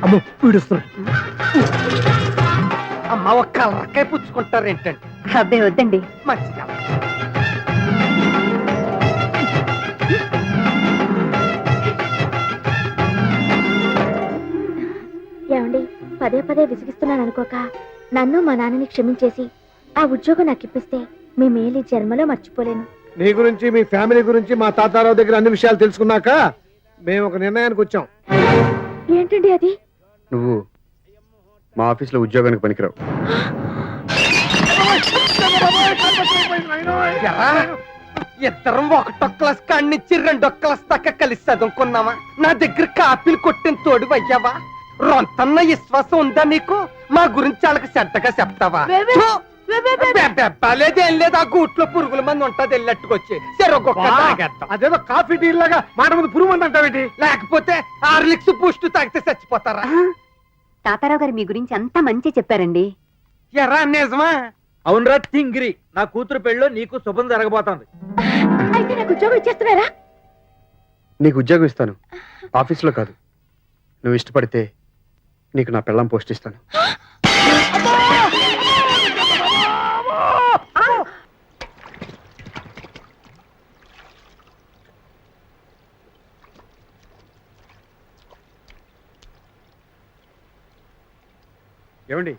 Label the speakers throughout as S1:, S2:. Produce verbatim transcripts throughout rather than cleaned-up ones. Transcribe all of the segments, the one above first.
S1: అమ్మో పీడిస్తున్నా.
S2: అమ్మ ఒక కలరకాయ పుచ్చుకుంటారు ఏంటండి?
S3: అబ్బే వద్దండి.
S2: మంచిగా
S3: ఏమండి, పదే పదే విసిగిస్తున్నాను అనుకోక నన్ను మా నాన్నని క్షమించేసి ఆ ఉద్యోగం నాకు ఇప్పిస్తే మీ మేలు ఈ జన్మలో మర్చిపోలేను.
S1: నీ గురించి మీ ఫ్యామిలీ గురించి మా తాతారావు దగ్గర అన్ని విషయాలు తెలుసుకున్నాక మేము ఒక నిర్ణయానికి వచ్చాం.
S3: ఏంటండి అది?
S4: నువ్వు మా ఆఫీస్లో ఉద్యోగానికి పనికిరావు.
S2: ఇద్దరం ఒకటో క్లాస్ కాడినిచ్చి రెండో క్లాస్ దాకా కలిసి చదువుకున్నావా? నా దగ్గర కాపీలు కొట్టిన తోడు అయ్యావా? రొంతన్న విశ్వాసం ఉందా నీకు? మా గురించి వాళ్ళకి చెడ్డగా చెప్తావా? లేదేం లేదు, ఆ గూట్లో పురుగుల మంది ఉంటది వెళ్ళట్టుకొచ్చి
S1: అదేదో కాఫీ టీ లాగా మాట ముందు పురుగు మంది అంటావేంటి?
S2: లేకపోతే హార్లిక్స్ బూస్ట్ తాగితే చచ్చిపోతారా?
S3: తాతారావు గారు మీ గురించి అంతా మంచి చెప్పారండి.
S2: ఎరా నిజమా?
S5: అవునరా తింగిరి, నా కూతురు పెళ్ళో నీకు శుభం జరగబోతోంది.
S3: అయితే నాకు ఉద్యోగం ఇచ్చేస్తున్నారా?
S4: నీకు ఉద్యోగం ఇస్తాను, ఆఫీస్లో కాదు. నువ్వు ఇష్టపడితే నీకు నా పెళ్ళాం పోస్ట్ ఇస్తాను. ఏమండి?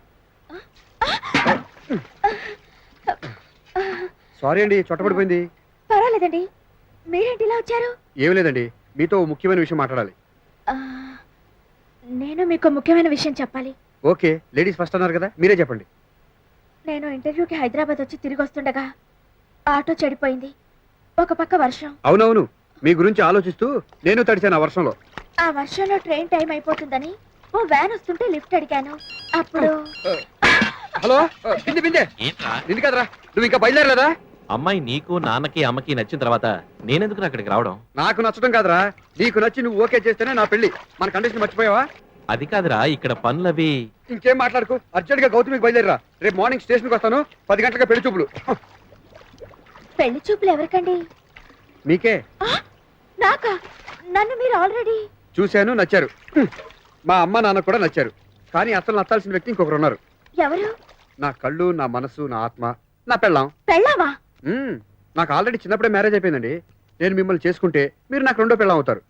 S4: సారీ అండి, చొట్టపడిపోయింది.
S3: పర్వాలేదండి, మీరేంటి ఇలా వచ్చారు?
S4: ఏం లేదండి, మీతో ఓ ముఖ్యమైన విషయం మాట్లాడాలి.
S3: ఆ, నేను మీకు ముఖ్యమైన విషయం చెప్పాలి.
S4: ఓకే, లేడీస్ ఫస్ట్ అన్నారు కదా, మీరే చెప్పండి.
S3: నేను ఇంటర్వ్యూకి హైదరాబాద్ వచ్చి తిరిగి వస్తుండగా ఆటో చెడిపోయింది. ఒక పక్క వర్షం.
S4: అవునవును, మీ గురించి ఆలోచిస్తూ నేను తడిచాను ఆ వర్షంలో.
S3: ఆ వర్షంలో ట్రైన్ టైం అయిపోతుందని ఓ వ్యాన్ వస్తుంటే లిఫ్ట్ అడిగాను. అప్పుడు
S4: హలో బిందె బిందె నిన్ను కదరా, నువ్వు ఇంకా బయలుదేరలేదా?
S6: అమ్మాయి నీకు నాన్నకి అమ్మకి నచ్చిన తర్వాత నేనెందుకు అక్కడికి రావడం?
S4: నాకు నచ్చడం కాదురా, నీకు నచ్చి నువ్వు ఓకే చేస్తేనే నా పెళ్లి. మన కండిషన్ మర్చిపోయావా?
S6: అది కాదురా, ఇక్కడ పనులవి.
S4: ఇంకేం మాట్లాడుకు, అర్జెంట్ గా గౌతమికి బయలుదేరరా. రేపు మార్నింగ్ స్టేషన్కి వస్తాను, పది గంటలుగా పెళ్లి చూపులు.
S3: పెళ్లి చూపులు ఎవరికండి?
S4: మీకే.
S3: నాకా? నన్ను మీరు ఆల్రెడీ
S4: చూశాను, నచ్చారు. మా అమ్మ నాన్న కూడా నచ్చారు. కానీ అసలు నచ్చాల్సిన వ్యక్తి ఇంకొకరు ఉన్నారు.
S3: ఎవరు?
S4: నా కళ్ళు, నా మనసు, నా ఆత్మ, నా పెళ్ళాం.
S3: పెళ్ళావా?
S4: మ్మ్. నాకు ఆల్రెడీ చిన్నప్పుడే మ్యారేజ్ అయిపోయిందండి. నేను మిమ్మల్ని చేసుకుంటే మీరు నాకు రెండో పెళ్ళాం అవుతారు.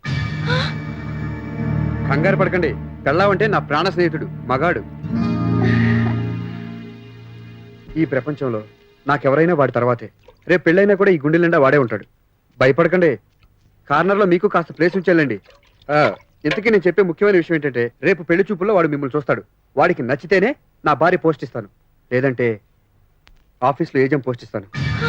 S4: కంగారు పడకండి, పెళ్ళాం అంటే నా ప్రాణ స్నేహితుడు, మగాడు. ఈ ప్రపంచంలో నాకెవరైనా వాడి తర్వాతే. రేపు పెళ్ళైనా కూడా ఈ గుండె నిండా వాడే ఉంటాడు. భయపడకండి, కార్నర్లో మీకు కాస్త ప్లేస్ ఉంచాలండి. ఇంతకీ నేను చెప్పే ముఖ్యమైన విషయం ఏంటంటే, రేపు పెళ్లి చూపుల్లో వాడు మిమ్మల్ని చూస్తాడు. వాడికి నచ్చితేనే నా భార్య పోస్ట్ ఇస్తాను, లేదంటే ఆఫీస్లో ఏజెంట్ పోస్ట్ ఇస్తాను.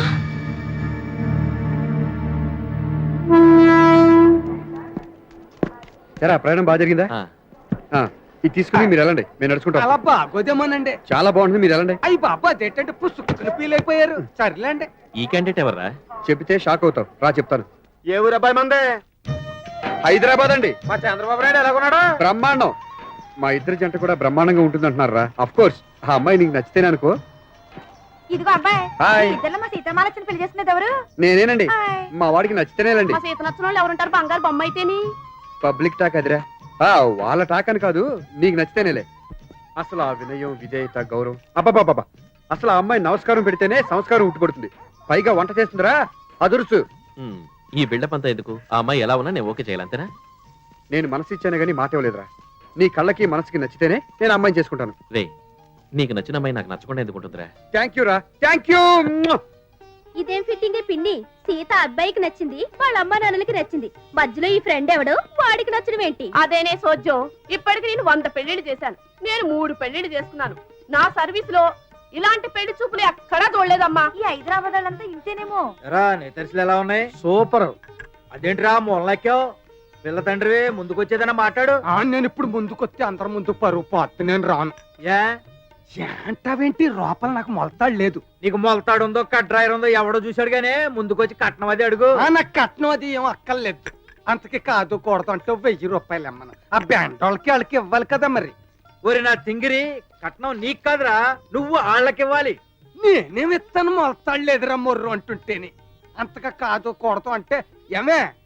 S4: సరే, ప్రయాణం బాగా జరిగిందా? ఇది తీసుకుని మీరు వెళ్ళండి, మేము నడుచుకుంటాం.
S2: అలా బాగోదేమోనండి.
S4: చాలా బాగుంటుంది, మీరు వెళ్ళండి.
S2: అయ్యి బాబా, అదేంటంటే పుసుకులు ఫీల్ అయిపోయారు. సర్లేండి.
S6: ఈ క్యాండిడేట్ ఎవర్రా?
S4: చెబితే షాక్ అవుతావు, రా చెప్తాను.
S5: ఏ ఊరు అబ్బాయి మందే?
S4: హైదరాబాద్ అండి.
S5: మా చంద్రబాబు నాయుడు ఎలాగున్నాడా?
S4: బ్రహ్మాండం. మా ఇద్దరి జంట కూడా బ్రహ్మాండంగా ఉంటుంది అంటున్నారా? అఫ్ కోర్స్, ఆ అమ్మాయి నీకు నచ్చితేనే అనుకో.
S3: ఇదిగో అబ్బాయి,
S4: హాయ్.
S3: ఇద్దరు మా సీతమాలక్ష్మిని పెళ్లి చేస్తున్నది ఎవరు?
S4: నేనేనండి.
S3: హాయ్.
S4: మా వాడికి నచ్చితేనేలండి.
S3: మా సీత నచ్చిన వాళ్ళు ఎవరుంటారు? బంగారు బొమ్మ అయితేని.
S4: పబ్లిక్ టాక్ అదిరా. ఆ, వాళ్ళ టాక్ అని కాదు, నీకు నచ్చితేనేలే. అసలు ఆ వినయం, విధేయత, గౌరవం, అబ్బాబాబా. అసలు ఆ అమ్మాయి నమస్కారం పెడితేనే సంస్కారం ఉట్టుపడుతుంది. పైగా వంట చేస్తుందిరా, అదురుసు.
S6: ఉమ్, ఈ బిల్డప్ అంతా ఎందుకు? ఆ అమ్మాయి ఎలా ఉన్నా నేను ఓకే చేయాలంతేనా?
S4: నేను మనసు ఇచ్చానే గానీ మాట ఇవ్వలేదురా. నీ కళ్ళకి మనసుకి నచ్చితేనే నేను అమ్మాయిని చేసుకుంటాను.
S6: రే, నీకు నచ్చిన అమ్మాయి నాకు నచ్చకుండా ఎందుకు ఉంటుందిరా?
S4: థ్యాంక్ యూ రా, థ్యాంక్ యూ.
S3: ఇదేం ఫిట్టింగ్ పిన్ని? సీత అబ్బాయికి నచ్చింది, వాళ్ళ అమ్మ నాన్నలకి నచ్చింది, మధ్యలో ఈ ఫ్రెండ్ ఎవడు? వాడికి నచ్చడం ఏంటి?
S7: అదేనే సోజ్జో, ఇప్పటికి నేను వంద పెళ్లిళ్ళు చేశాను. నేను మూడు పెళ్లిళ్ళు చేసుకున్నాను. నా సర్వీస్ లో ఇలాంటి పెళ్లి చూపులు ఎక్కడా చూడలేదమ్మా.
S3: ఈ హైదరాబాద్ వాళ్ళంతా ఇంతేనేమో.
S5: ఎరా, నేతర్సులు ఎలా ఉన్నాయి? సూపర్. అదేంటిరా మొల్లెక్కావు? పిల్ల తండ్రివే, ముందుకొచ్చేదన్నా మాట్లాడు.
S2: ఆ, నేను ఇప్పుడు ముందుకొస్తే అందరి ముందు పరువు పోతే నేను రాను.
S5: ఏ
S2: అంటావేంటి? లోపల నాకు మొలతాడు లేదు.
S5: నీకు మొలతాడు ఉందో కట్రాయర్ ఉందో ఎవడో చూశాడు గానీ ముందుకొచ్చి కట్నం అది అడుగు.
S2: ఆ, నాకు కట్నం అది ఏం అక్కర్లేదు. అంతకి కాదు కూడదు అంటే వెయ్యి రూపాయలు ఇమ్మను. ఆ బ్యాండ్ వాళ్ళకి వాళ్ళకి ఇవ్వాలి కదా మరి.
S5: ఒరి నా తింగిరి, కట్నం నీకు కాదురా, నువ్వు వాళ్ళకి ఇవ్వాలి.
S2: నేనేమి ఇస్తాను, మొలతాడు లేదురా మొర్రు అంటుంటేని. అంతగా కాదు కూడదు అంటే ఏమే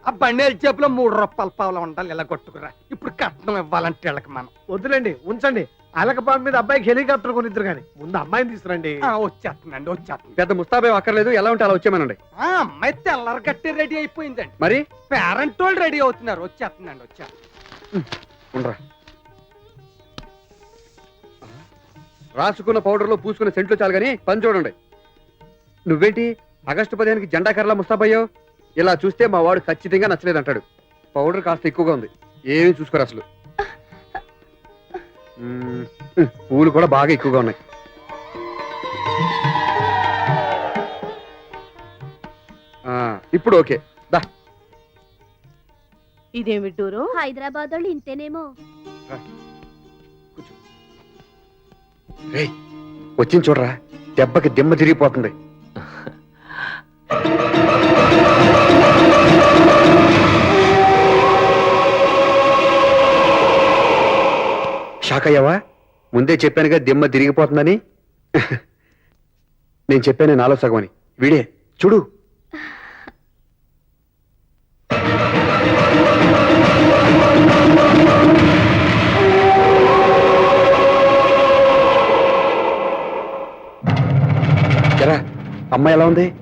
S2: ఆ బండి జేబులో మూడు రూపాయల పావులు ఉండాలి ఇలా కొట్టుకురా. ఇప్పుడు కట్నం ఇవ్వాలంటే వీళ్ళకి మనం.
S1: వద్దులేండి ఉంచండి. అలకపాన్ మీద అబ్బాయికి హెలికాప్టర్ కొనిద్దరు కానీ ముందు అమ్మాయిని తీసుకురండి.
S2: ఆ, వచ్చేస్తుందండి వచ్చేస్తుంది.
S4: పెద్ద ముస్తాబే అక్కర్లేదు, ఎలా ఉంటే అలా వచ్చేమనండి.
S2: ఆ అమ్మాయి తెల్లరి గట్టి రెడీ అయిపోయిందండి.
S4: మరి
S2: పేరెంట్ వాళ్ళు రెడీ అవుతున్నారు. వచ్చేస్తుందండి వచ్చేస్తుంది.
S4: ఉండరా, రాసుకున్న పౌడర్లో పూసుకున్న సెంట్లు చాలు కానీ పని చూడండి. నువ్వేంటి ఆగస్టు పదిహేనుకి జెండా కర్రలా ముస్తాబయ్యావు? ఇలా చూస్తే మా వాడు ఖచ్చితంగా నచ్చలేదంటాడు. పౌడర్ కాస్త ఎక్కువగా ఉంది, ఏమీ చూసుకోరు అసలు. మ్మ్, పూలు కూడా బాగా ఎక్కువగా ఉన్నాయి. ఆ, ఇప్పుడు ఓకే దా.
S7: ఇదేమి టూరు?
S3: హైదరాబాద్ వాళ్ళు ఇంతేనేమో.
S4: రేయ్, వచ్చింది చూడరా, దెబ్బకి దిమ్మ తిరిగిపోతుంది. షాక్ అయ్యావా? ముందే చెప్పానుగా దిమ్మ తిరిగిపోతుందని. నేను చెప్పాను నాలో సగం అని. వీడే చూడు. ఎరా, అమ్మాయి ఎలా ఉంది?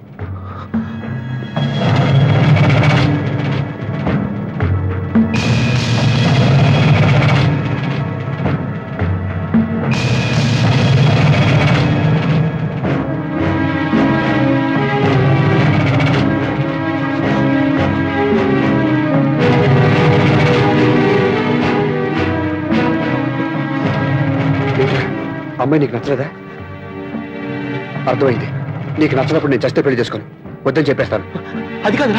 S4: అమ్మాయి నీకు నచ్చలేదా? అర్థమైంది. నీకు నచ్చినప్పుడు నేను చస్తే పెళ్లి చేసుకోను. వద్దని చెప్పేస్తాను.
S6: అది కాదురా.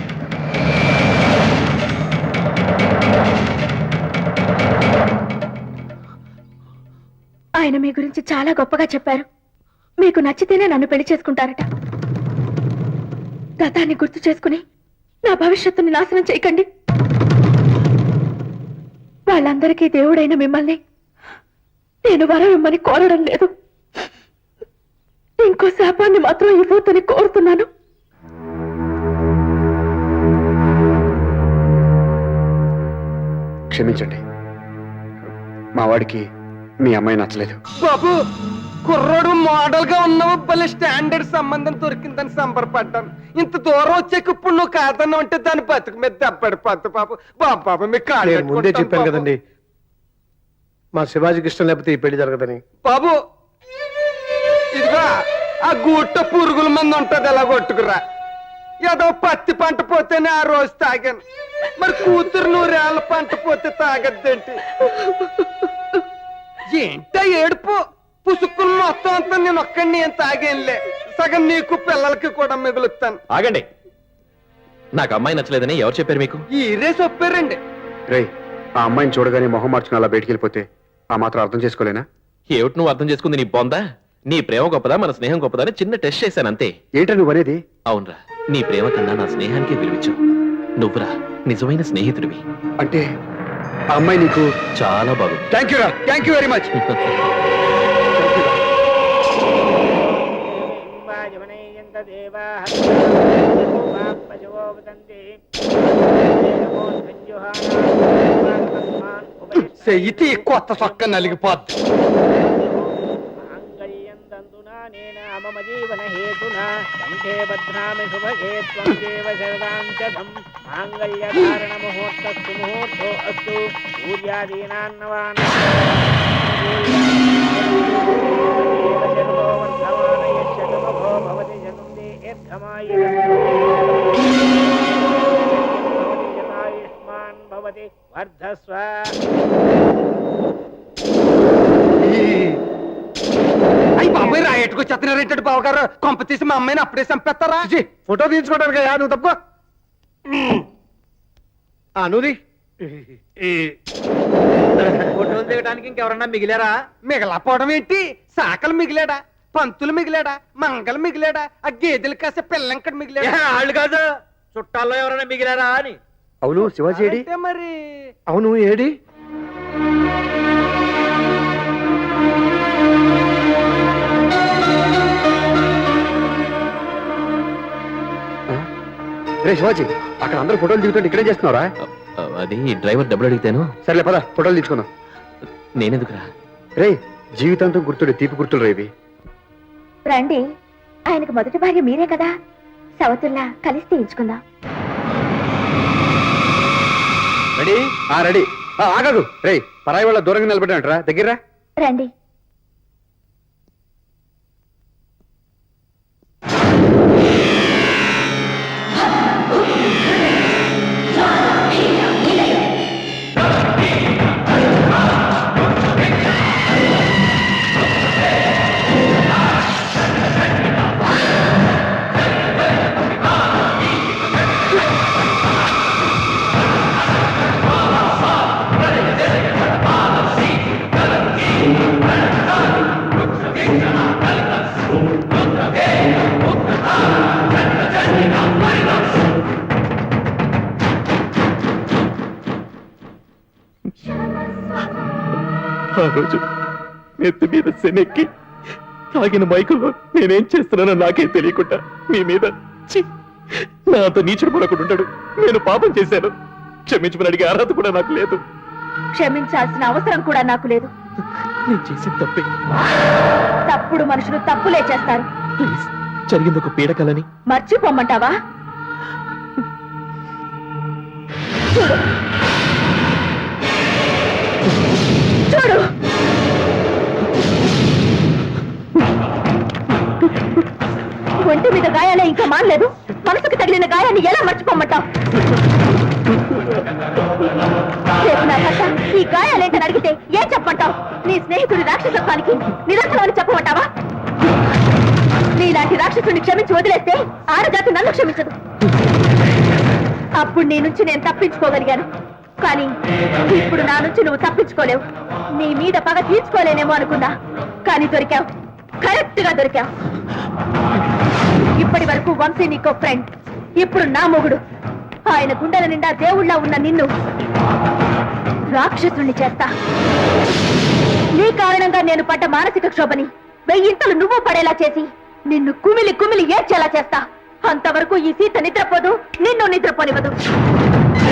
S3: ఆయన మీ గురించి చాలా గొప్పగా చెప్పారు. మీకు నచ్చితేనే నన్ను పెళ్లి చేసుకుంటారట. గతాన్ని గుర్తు చేసుకుని నా భవిష్యత్తుని నాశనం చేయకండి. వాళ్ళందరికీ దేవుడైన మిమ్మల్ని నేను వరం ఇమ్మని కోరడం లేదు. ఇంకో శాపాన్ని మాత్రం ఇవ్వద్దని కోరుతున్నాను.
S4: క్షమించండి, మా వాడికి మీ అమ్మాయి నచ్చలేదు.
S2: బాబు, కుర్రోడు మోడల్ గా ఉన్నావు, భలే స్టాండర్డ్ సంబంధం దొరికిందని సంబరపడ్డాను. ఇంత దూరం వచ్చాక ఇప్పుడు నువ్వు కాదన్నావు అంటే దాని బతుకు మీద దెబ్బడిపోద్దు బాబు. బాబు బాబు మీకు కాళ్ళు
S1: నేను ముందే
S2: పట్టుకుంటాను
S1: చెప్పాను
S2: బాబు.
S1: కదండి మా శివాజీకి ఇష్టం లేకపోతే ఈ పెళ్లి జరగదని.
S2: బాబు ఇదిగో ఆ గూట పురుగుల మంది ఉంటది, ఎలా కొట్టుకురా. ఏదో పత్తి పంట పోతేనే ఆ రోజు తాగాను, మరి కూతురు నూరేళ్ళ పంట పోతే తాగద్దేంటి? ఏంటా ఏడుపు? పుసుక్కులు మొత్తం అంతా నేను ఒక్కడిని ఏం తాగేనులే, సగం నీకు పిల్లలకి కూడా మిగులుతాను.
S6: ఆగండి. నాకు అమ్మాయి నచ్చలేదని ఎవరు చెప్పారు మీకు?
S2: ఈరే చెప్పారండి.
S4: రేయ్, ఆ అమ్మాయిని చూడగానే మొహం మార్చుకుని అలా బయటికి వెళ్ళిపోతే ఆ మాత్రం అర్థం చేసుకోలేనా?
S6: ఏమిటి నువ్వు అర్థం చేసుకుంది? నీ బొందా? నీ ప్రేమ గొప్పదా మన స్నేహం గొప్పదా అని చిన్న టెస్ట్ చేశాను అంతే.
S4: ఏంటో నువ్వు అనేది?
S6: అవునరా, నీ ప్రేమ కన్నా నా స్నేహానికి విలువించు. నువ్వురా నిజమైన స్నేహితుడివి.
S4: అంటే ఆ అమ్మాయి నీకు
S6: చాలా బాగుంది.
S4: థ్యాంక్ యూ రా, థ్యాంక్ యూ వెరీ మచ్.
S2: చెయ్యితే కొత్త చొక్క నలిగిపోద్ది.
S8: వర్ధస్వ.
S2: అయ్యి బాబాయ్ రాయట్టుకు చెత్తనారేంటాడు బావగారు. కొంప తీసి మా అమ్మాయిని అప్పుడే చంపేస్తారా?
S1: చిచి, ఫోటో తీయించుకోవడానికి నువ్వు తప్పుకో. ఆ, నువ్వు
S5: ఫోటోలు దిగడానికి ఇంకెవరన్నా మిగిలారా?
S2: మిగలపోవడం ఏంటి? సాకలు మిగిలాడా, పంతులు మిగిలాడా, మంగలు మిగిలాడా, ఆ గేదెలు కాసే పిల్లంకడ మిగిలాడా?
S5: వాళ్ళు కాదు, చుట్టాల్లో ఎవరైనా మిగిలారా అని.
S4: అవును, శివాజీ ఏడి?
S2: అంటే మరి
S1: అవును ఏడి?
S4: రే శివాజీ, అక్కడ అందరూ ఫోటోలు దిగుతుంటే ఇక్కడే చేస్తున్నారా?
S6: ఆ, అది డ్రైవర్ డబ్బులు అడిగితేను.
S4: సర్లే పద, ఫోటోలు తీసుకుందాం.
S6: నేనెందుకురా?
S4: రే జీవితాంతం గుర్తుడు తీపి గుర్తులు రేవి.
S3: రండి, ఆయనకు మొదటి భార్య మీరే కదా, సవతుల్లా కలిసి తీయించుకుందాం.
S4: రెడీ? ఆ రెడీ. ఆ, ఆగదు రే, పరాయి వాళ్ళ దూరంగా నిలబడ్డాంటరా, దగ్గర
S3: రండి.
S6: ఆ రోజు నెత్తి మీద శనెక్కి తాగిన మైకుల్లో నేనేం చేస్తున్నానో నాకే తెలియకుండా మీ మీద ఛీ, నా అంత నీచుడు పడకుండా ఉంటాడు. నేను పాపం చేశాను, క్షమించమని అడిగే అర్హత కూడా నాకు లేదు.
S3: క్షమించాల్సిన అవసరం కూడా నాకు లేదు.
S6: నేను చేసిన తప్పే.
S3: తప్పుడు మనుషులు తప్పులే చేస్తారు.
S6: ప్లీజ్, జరిగింది ఒక పీడకలని.
S3: మర్చిపోమ్మంటావా? చూడు చూడు, ఒంటి మీద గాయాలే ఇంకా మానలేదు, మనసుకు తగిలిన గాయాన్ని ఎలా మర్చిపోమ్మంటావు? రేపు నా భర్త ఈ గాయాలేంటని అడిగితే ఏం చెప్పమంటావు? నీ స్నేహితుడి రాక్షసత్వానికి నిదర్శనం అని చెప్పమంటావా? నీలాంటి రాక్షసుని క్షమించి వదిలేస్తే ఆడజాతి నన్ను క్షమించదు. అప్పుడు నీ నుంచి నేను తప్పించుకోగలిగాను, కానీ ఇప్పుడు నా నుంచి నువ్వు తప్పించుకోలేవు. నీ మీద పగ తీర్చుకోలేనేమో అనుకున్నా, కానీ దొరికావు, కరెక్ట్ గా దొరికావు. ఇప్పటి వరకు వంశీ నీకో ఫ్రెండ్, ఇప్పుడు నా మొగుడు. ఆయన గుండెల నిండా దేవుళ్ళ ఉన్న నిన్ను రాక్షసుణ్ణి చేస్తా. నీ కారణంగా నేను పడ్డ మానసిక క్షోభని వెయ్యింతలు నువ్వు పడేలా చేసి నిన్ను కుమిలి కుమిలి ఏడ్చేలా చేస్తా. అంతవరకు ఈ సీత నిద్రపోదు, నిన్ను నిద్రపోనివ్వదు.